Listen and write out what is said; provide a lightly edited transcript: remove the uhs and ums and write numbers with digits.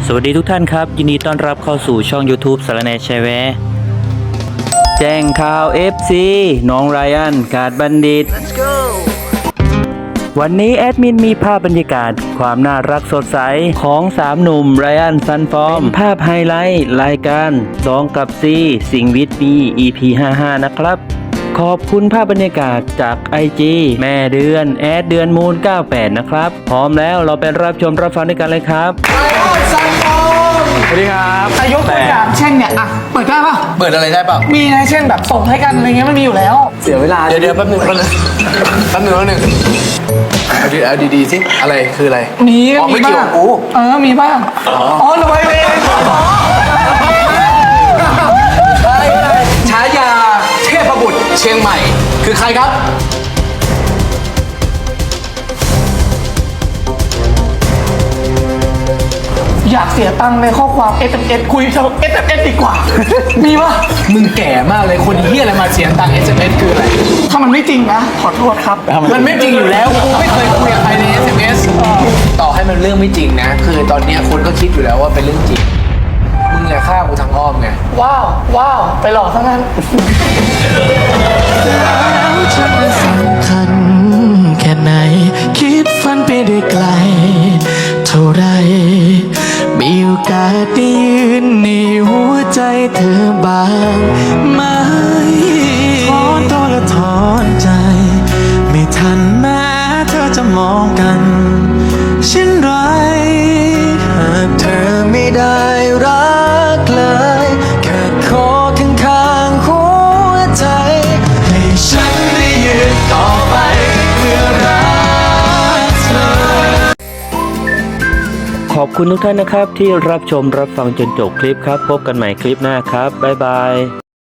สวัสดีทุกท่านครับยินดีต้อนรับเข้าสู่ช่อง YouTube สารแหน่แชร์แวร์แจ้งข่าว FC น้องไรอันกาดบัณฑิต วันนี้แอดมินมีภาพบรรยากาศความน่ารักสดใสของ3หนุ่มไรอันซันฟอร์มเป็นภาพไฮไลท์รายการ2กับซีสิงวิทย์มี EP 55นะครับขอบคุณภาพบรรยากาศจาก IG แม่เดือนแอดเดือนมูล98นะครับพร้อมแล้วเราไปรับชมรับฟังด้วยกันเลยครับสวัสดีครับยกตัวอย่างเช่นเนี่ยอ่ะเปิดได้ป่ะเปิดอะไรได้เปล่ามีนะเช่นแบบส่งให้กันอะไรเงี้ยมันมีอยู่แล้วเสียเวลา เดี๋ยวแป๊บนึงเอาดีๆสิอะไรคืออะไรมีอ๋อไม่เกี่ยวบ้างกูมีบ้างอ๋อรวยเองฉายาเทพบุตรเชียงใหม่ คือใครครับอยากเสียตังค์ในข้อความ SMS คุยทาง SMS ดีกว่า มีป่ะมึงแก่มากเลยคนเฮียอะไรมาเสียงตังค์ SMS คืออะไรถ้ามันไม่จริงนะขอโทษครับมันไม่จริงอยู่แล้วกูไม่เคยคุยกับใครใน SMS ต่อให้มันเรื่องไม่จริงนะ คือตอนเนี้ยคนก็คิดอยู่แล้วว่าเป็นเรื่องจริง มึงอย่าฆ่ากูทางอ้อมไงว้าวไปหลอกซะงั้นฉันสำคัญแค่ไหน คิดฝันไปได้ไกล เท่าไร มีโอกาสได้ยืนในหัวใจเธอบ้างไหมถอนตัวและถอนใจ ไม่ทันแม้เธอจะมองกันเช่นไร หากเธอไม่ได้รักเลยแค่ขอข้างๆหัวใจ ให้ฉันได้ยืนต่อไปเพื่อรักเธอขอบคุณทุกท่านนะครับที่รับชมรับฟังจนจบคลิปครับพบกันใหม่คลิปหน้าครับบ๊ายบาย